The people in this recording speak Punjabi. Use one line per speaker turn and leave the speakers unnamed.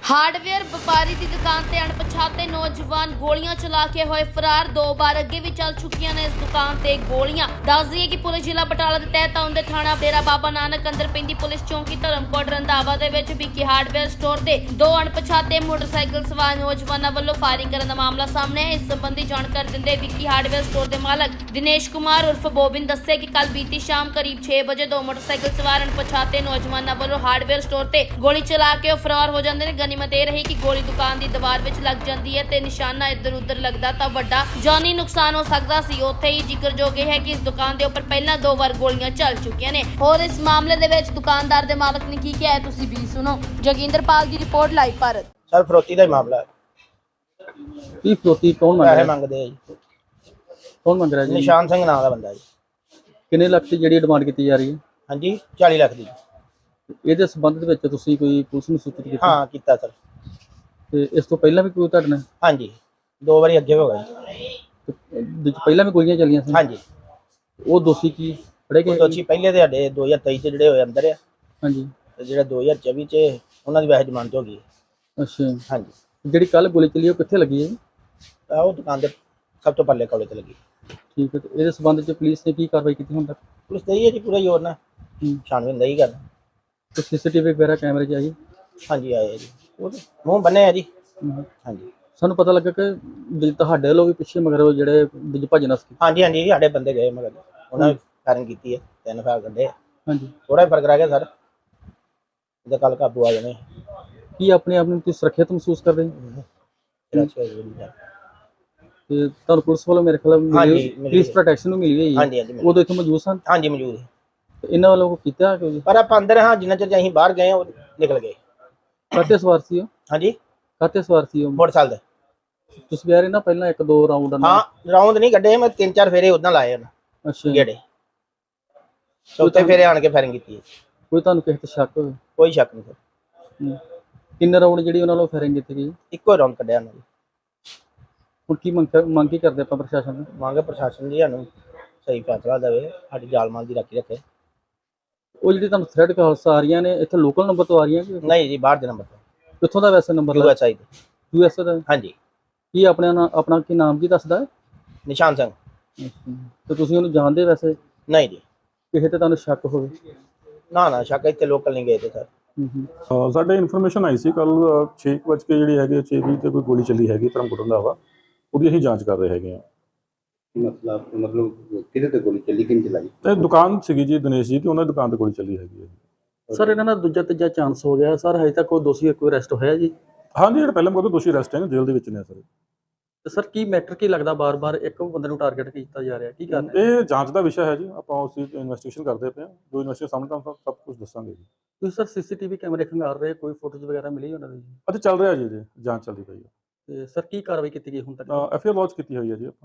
ਹਾਰਡਵੇਅਰ ਵਪਾਰੀ ਦੀ ਦੁਕਾਨ ਤੇ ਅਣਪਛਾਤੇ ਨੌਜਵਾਨ ਗੋਲੀਆਂ ਚਲਾ ਕੇ ਹੋਏ ਫਰਾਰ। 2 ਵਾਰ ਅੱਗੇ ਵੀ ਚੱਲ ਚੁੱਕੀਆਂ ਨੇ ਇਸ ਦੁਕਾਨ ਤੇ ਗੋਲੀਆਂ। ਦੱਸ ਦਈਏ ਕਿ ਪੁਲਿਸ ਜ਼ਿਲ੍ਹਾ ਬਟਾਲਾ ਦੇ ਤਹਿਤ ਆਉਂਦੇ ਥਾਣਾ ਡੇਰਾ ਬਾਬਾ ਨਾਨਕ ਅੰਦਰ ਪੈਂਦੀ ਪੁਲਿਸ ਚੌਂਕੀ ਧਰਮਕੋਟ ਰੰਧਾਵਾ ਦੇ ਵਿੱਚ ਵਿਕੀ ਹਾਰਡਵੇਅਰ ਸਟੋਰ ਤੇ 2 ਅਣਪਛਾਤੇ ਮੋਟਰਸਾਈਕਲ ਸਵਾਰ ਨੌਜਵਾਨਾਂ ਵੱਲੋਂ ਫਾਇਰਿੰਗ ਕਰਨ ਦਾ ਮਾਮਲਾ ਸਾਹਮਣੇ ਆਇਆ। ਇਸ ਸੰਬੰਧੀ ਜਾਣਕਾਰੀ ਦਿੰਦੇ ਵਿਕੀ ਹਾਰਡਵੇਅਰ ਸਟੋਰ ਦੇ ਮਾਲਕ ਦਿਨੇਸ਼ ਕੁਮਾਰ ਉਰਫ ਬੋਬਿਨ ਦੱਸੇ ਕਿ ਕੱਲ ਬੀਤੀ ਸ਼ਾਮ ਕਰੀਬ 6 ਵਜੇ 2 ਮੋਟਰਸਾਈਕਲ ਸਵਾਰ ਅਣਪਛਾਤੇ ਨੌਜਵਾਨਾਂ ਵੱਲੋਂ ਹਾਰਡਵੇਅਰ ਸਟੋਰ ਤੇ ਗੋਲੀ ਚਲਾ ਕੇ ਉਹ ਫਰਾਰ ਹੋ ਜਾਂਦੇ ਨੇ। ਗਨੀਮਤ ਇਹ ਰਹੀ ਕਿ ਗੋਲੀ ਦੁਕਾਨ ਦੀ ਦੀਵਾਰ ਵਿੱਚ ਲੱਗ ਜਾਂਦੀ ਹੈ ਤੇ ਨਿਸ਼ਾਨਾ ਇੱਧਰ ਉੱਧਰ ਲੱਗਦਾ ਤਾਂ ਵੱਡਾ ਜਾਨੀ ਨੁਕਸਾਨ ਹੋ ਸਕਦਾ ਸੀ। ਉੱਥੇ ਹੀ ਜ਼ਿਕਰਯੋਗ ਹੈ ਕਿ ਇਸ ਦੁਕਾਨ ਦੇ ਉੱਪਰ ਪਹਿਲਾਂ 2 ਵਾਰ ਗੋਲੀਆਂ ਚੱਲ ਚੁੱਕੀਆਂ ਨੇ। ਹੋਰ ਇਸ ਮਾਮਲੇ ਦੇ ਵਿੱਚ ਦੁਕਾਨਦਾਰ ਦੇ ਮਾਲਕ ਨੇ ਕੀ ਕਿਹਾ ਹੈ ਤੁਸੀਂ ਵੀ ਸੁਣੋ। ਜੋਗਿੰਦਰਪਾਲ ਦੀ ਰਿਪੋਰਟ ਲਾਈਵ ਭਾਰਤ।
ਸਰ ਫਰੋਤੀ ਦਾ ਹੀ ਮਾਮਲਾ ਹੈ।
ਕੀ ਫਰੋਤੀ ਕੌਣ ਮੰਗ
ਪੈਸੇ
ਰਿਹਾ?
ਮੰਗਦੇ ਆ ਜੀ।
ਕੌਣ ਮੰਗ ਰਿਹਾ ਜੀ?
ਨਿਸ਼ਾਨ ਸਿੰਘ ਨਾਮ ਦਾ ਬੰਦਾ ਜੀ।
ਕਿੰਨੇ ਲੱਖ ਦੀ ਜਿਹੜੀ ਡਿਮਾਂਡ ਕੀਤੀ ਜਾ ਰਹੀ ਹੈ?
ਹਾਂਜੀ 40 ਲੱਖ ਦੀ।
ਇਹਦੇ ਸੰਬੰਧ ਦੇ ਵਿੱਚ ਤੁਸੀਂ ਕੋਈ ਪੁਲਿਸ ਨੂੰ ਸੂਚਿਤ ਕੀਤਾ?
ਹਾਂ ਕੀਤਾ ਸਰ।
ਤੇ ਇਸ ਤੋਂ ਪਹਿਲਾਂ ਵੀ ਕੋਈ ਤੁਹਾਡੇ ਨਾਲ
ਹਾਂਜੀ 2 ਵਾਰੀ ਅੱਗੇ ਹੋ ਗਏ।
ਪਹਿਲਾਂ ਵੀ ਗੋਲੀਆਂ ਚੱਲੀਆਂ ਸੀ?
ਹਾਂਜੀ
ਉਹ ਦੋਸ਼ੀ ਕੀ ਫੜੇ ਗਏ?
ਦੋਸ਼ੀ ਪਹਿਲੇ ਦੇ ਸਾਡੇ 2023 ਚ ਜਿਹੜੇ ਹੋਏ ਅੰਦਰ ਆ
ਹਾਂਜੀ।
ਤੇ ਜਿਹੜਾ 2024 ਚ ਉਹਨਾਂ ਦੀ ਵੈਸੇ ਜ਼ਮਾਨਤ ਹੋ ਗਈ।
ਅੱਛਾ।
ਹਾਂਜੀ
ਜਿਹੜੀ ਕੱਲ ਗੋਲੀ ਚੱਲੀ ਉਹ ਕਿੱਥੇ ਲੱਗੀ ਹੈ?
ਆਹ ਉਹ ਦੁਕਾਨ ਦੇ ਸਭ ਤੋਂ ਪੱਲੇ ਕੋਲੇ ਤੇ ਲੱਗੀ।
ਠੀਕ ਹੈ। ਤੇ ਇਹਦੇ ਸੰਬੰਧ ਵਿੱਚ ਪੁਲਿਸ ਨੇ ਕੀ ਕਾਰਵਾਈ ਕੀਤੀ ਹੁਣ ਤੱਕ?
ਪੁਲਿਸ ਤੇ ਹੈ ਜੀ ਪੂਰਾ ਜ਼ੋਰ ਨਾਲ ਛਾਣਬੀਨ ਨਹੀਂ ਕਰਦਾ।
ਤੇ ਸੀਸੀਟੀਵੀ ਵਗੈਰਾ ਕੈਮਰੇ 'ਚ ਆਈ?
ਹਾਂਜੀ ਆਏ ਆ ਜੀ। ਉਹ ਤਾਂ ਮੂੰਹ ਬੰਨੇ ਆ ਜੀ। ਹਾਂਜੀ
ਸਾਨੂੰ ਪਤਾ ਲੱਗਾ ਕਿ ਤੁਹਾਡੇ ਵੱਲੋਂ ਵੀ ਪਿੱਛੇ ਮਗਰ ਉਹ ਜਿਹੜੇ ਭੱਜਣਾ ਸੀ।
ਹਾਂਜੀ ਹਾਂਜੀ ਸਾਡੇ ਬੰਦੇ ਗਏ ਮਗਰ ਉਹਨਾਂ ਨੇ ਫਾਇਰਿੰਗ ਕੀਤੀ ਹੈ। 3 ਫਾਇਰ ਕੱਢੇ ਆ।
ਹਾਂਜੀ।
ਥੋੜਾ ਫਰਕ ਰਹਿ ਗਿਆ ਸਰ। ਇਹਦਾ ਕੱਲ ਕਾਬੂ ਆ ਜਾਣੇ।
ਕੀ ਆਪਣੇ ਆਪ ਨੂੰ ਤੁਸੀਂ ਸੁਰੱਖਿਅਤ ਮਹਿਸੂਸ ਕਰਦੇ ਹੋ? ਤੇ ਤੁਹਾਨੂੰ ਪੁਲਿਸ ਵੱਲੋਂ ਮੇਰੇ ਖਿਆਲ
ਹਾਂਜੀ,
ਪੁਲਿਸ ਪ੍ਰੋਟੈਕਸ਼ਨ ਨੂੰ ਮਿਲੀ ਹੋਈ ਹੈ?
ਹਾਂਜੀ ਹਾਂਜੀ
ਉਦੋਂ ਇੱਥੇ ਮੌਜੂਦ ਸਨ?
ਹਾਂਜੀ ਮੌਜੂਦ ਹੈ।
ਤੇ ਇਹਨਾਂ ਵੱਲੋਂ ਕੋਈ ਕੀਤਾ ਕਿ
ਪਰ ਆਪਾਂ ਅੰਦਰ ਹਾਂ ਜਿੰਨਾ ਚਿਰ ਅਸੀਂ ਬਾਹਰ ਗਏ ਉਹ ਨਿਕਲ ਗਏ।
ਕਾਹਤੇ ਸਵਾਰ ਸੀ ਉਹ?
ਹਾਂਜੀ
ਕਾਹਤੇ ਸਵਾਰ ਸੀ ਉਹ?
ਮੋਟਰਸਾਈਕਲ ਦੇ।
ਤੁਸੀਂ ਕਹਿ ਰਹੇ ਨਾ ਪਹਿਲਾਂ 1-2 ਰਾਉਂਡ?
ਹਾਂ ਰਾਉਂਡ ਨਹੀਂ ਕੱਢੇ ਮੈਂ 3-4 ਫੇਰੇ ਉਦਾਂ ਲਾਏ ਉਹਨਾਂ।
ਅੱਛਾ।
ਗੇੜੇ ਚੌਥੇ ਫੇਰੇ ਆਣ ਕੇ ਫਾਇਰਿੰਗ ਕੀਤੀ ਹੈ।
ਕੋਈ ਤੁਹਾਨੂੰ ਕਿਸੇ ਤੇ ਸ਼ੱਕ ਹੋਵੇ?
ਕੋਈ ਸ਼ੱਕ ਨਹੀਂ ਸਰ।
ਕਿੰਨੇ ਰਾਉਂਡ ਜਿਹੜੀ ਉਹਨਾਂ ਵੱਲੋਂ ਫਾਇਰਿੰਗ ਕੀਤੀ ਗਈ?
ਇੱਕੋ ਰਾਉਂਡ ਕੱਢਿਆ ਉਹਨਾਂ ਨੇ।
ਹੁਣ ਕੀ ਮੰਗ ਕੀ ਕਰਦੇ ਆਪਾਂ ਪ੍ਰਸ਼ਾਸਨ ਨੂੰ?
ਮੰਗ ਪ੍ਰਸ਼ਾਸਨ ਜੀ ਸਾਨੂੰ ਸਹੀ ਫੈਸਲਾ ਦੇਵੇ, ਸਾਡੀ ਜਾਨ ਮਾਲ ਦੀ ਰਾਖੀ ਰੱਖੇ।
ਉਹ ਜਿਹੜੀ ਤੁਹਾਨੂੰ ਥ੍ਰੈਡ ਕਾਲਸ ਆ ਰਹੀਆਂ ਨੇ ਇੱਥੇ ਲੋਕਲ ਨੰਬਰ ਤੋਂ ਆ ਰਹੀਆਂ ਕਿ
ਨਹੀਂ ਜੀ ਬਾਹਰ ਦੇ ਨੰਬਰ ਤੋਂ।
ਕਿੱਥੋਂ ਦਾ ਵੈਸੇ ਨੰਬਰ?
USA ਦੇ।
USA ਦਾ?
ਹਾਂਜੀ।
ਕੀ ਆਪਣਾ ਕੀ ਨਾਮ ਕੀ ਦੱਸਦਾ ਹੈ?
ਨਿਸ਼ਾਨ ਸਿੰਘ।
ਤੇ ਤੁਸੀਂ ਉਹਨੂੰ ਜਾਣਦੇ ਵੈਸੇ?
ਨਹੀਂ ਜੀ।
ਕਿਸੇ ਤੇ ਤੁਹਾਨੂੰ ਸ਼ੱਕ ਹੋਵੇ?
ਨਾ ਸ਼ੱਕ ਇੱਥੇ ਲੋਕਲ ਨਹੀਂ ਗਏ ਤੇ ਸਰ।
ਸਾਡੇ ਇਨਫੋਰਮੇਸ਼ਨ ਆਈ ਸੀ ਕੱਲ 6 ਵਜੇ ਜਿਹੜੀ ਹੈਗੀ 6:20 ਤੇ ਕੋਈ ਗੋਲੀ ਚੱਲੀ ਹੈਗੀ ਧਰਮਕੋਟ ਰੰਧਾਵਾ। ਉਹਦੀ ਅਸੀਂ ਜਾਂਚ ਕਰ ਰਹੇ ਹੈਗੇ ਹਾਂ।
ਮਤਲਬ ਕਿਹਦੇ ਤੇ ਗੋਲੀ ਚੱਲੀ, ਕਿੰਨ ਚਲਾਈ?
ਤੇ ਦੁਕਾਨ ਸੀਗੀ ਜੀ ਦਿਨੇਸ਼ ਜੀ ਤੇ ਉਹਨਾਂ ਦੀ ਦੁਕਾਨ ਤੇ ਗੋਲੀ ਚੱਲੀ ਹੈਗੀ ਹੈ।
ਸਰ ਇਹਨਾਂ ਦਾ ਦੂਜਾ ਤੀਜਾ ਚਾਂਸ ਹੋ ਗਿਆ ਸਰ, ਹਜੇ ਤੱਕ ਕੋਈ ਦੋਸ਼ੀ ਕੋਈ ਅਰੈਸਟ ਹੋਇਆ ਜੀ?
ਹਾਂਜੀ ਜਿਹੜਾ ਪਹਿਲਾਂ ਮਗਰ ਦੋਸ਼ੀ ਅਰੈਸਟ ਹੈ ਜੇਲ੍ਹ ਦੇ ਵਿੱਚ ਨੇ ਸਰ।
ਤੇ ਸਰ ਕੀ ਮੈਟਰ ਕੀ ਲੱਗਦਾ ਬਾਰ-ਬਾਰ ਇੱਕ ਬੰਦੇ ਨੂੰ ਟਾਰਗੇਟ ਕੀਤਾ ਜਾ ਰਿਹਾ, ਕੀ ਕਰਨਾ?
ਇਹ ਜਾਂਚ ਦਾ ਵਿਸ਼ਾ ਹੈ ਜੀ। ਆਪਾਂ ਉਸ ਦੀ ਇਨਵੈਸਟੀਗੇਸ਼ਨ ਕਰਦੇ ਪਏ ਹਾਂ। ਜੋ ਇਨਵੈਸਟੀਗੇਸ਼ਨ ਸਾਹਮਣੇ ਤਾਂ ਸਭ ਕੁਝ ਦੱਸਾਂਗੇ ਜੀ।
ਤੁਸੀਂ ਸਰ ਸੀਸੀਟੀਵੀ ਕੈਮਰੇ ਖੰਗਾਰ ਰਹੇ, ਕੋਈ ਫੋਟੋਜ਼ ਵਗੈਰਾ ਮਿਲੀ ਉਹਨਾਂ ਦੀ?
ਅਤੇ ਚੱਲ ਰਿਹਾ ਜੀ ਜਾਂਚ ਚੱਲਦੀ ਪਈ ਹੈ।
ਤੇ ਸਰ ਕੀ ਕਾਰਵਾਈ ਕੀਤੀ ਗਈ ਹੁਣ ਤੱਕ?
FIR ਲੌਂਚ ਕੀਤੀ ਹੋਈ ਹੈ ਜੀ ਆਪਾਂ।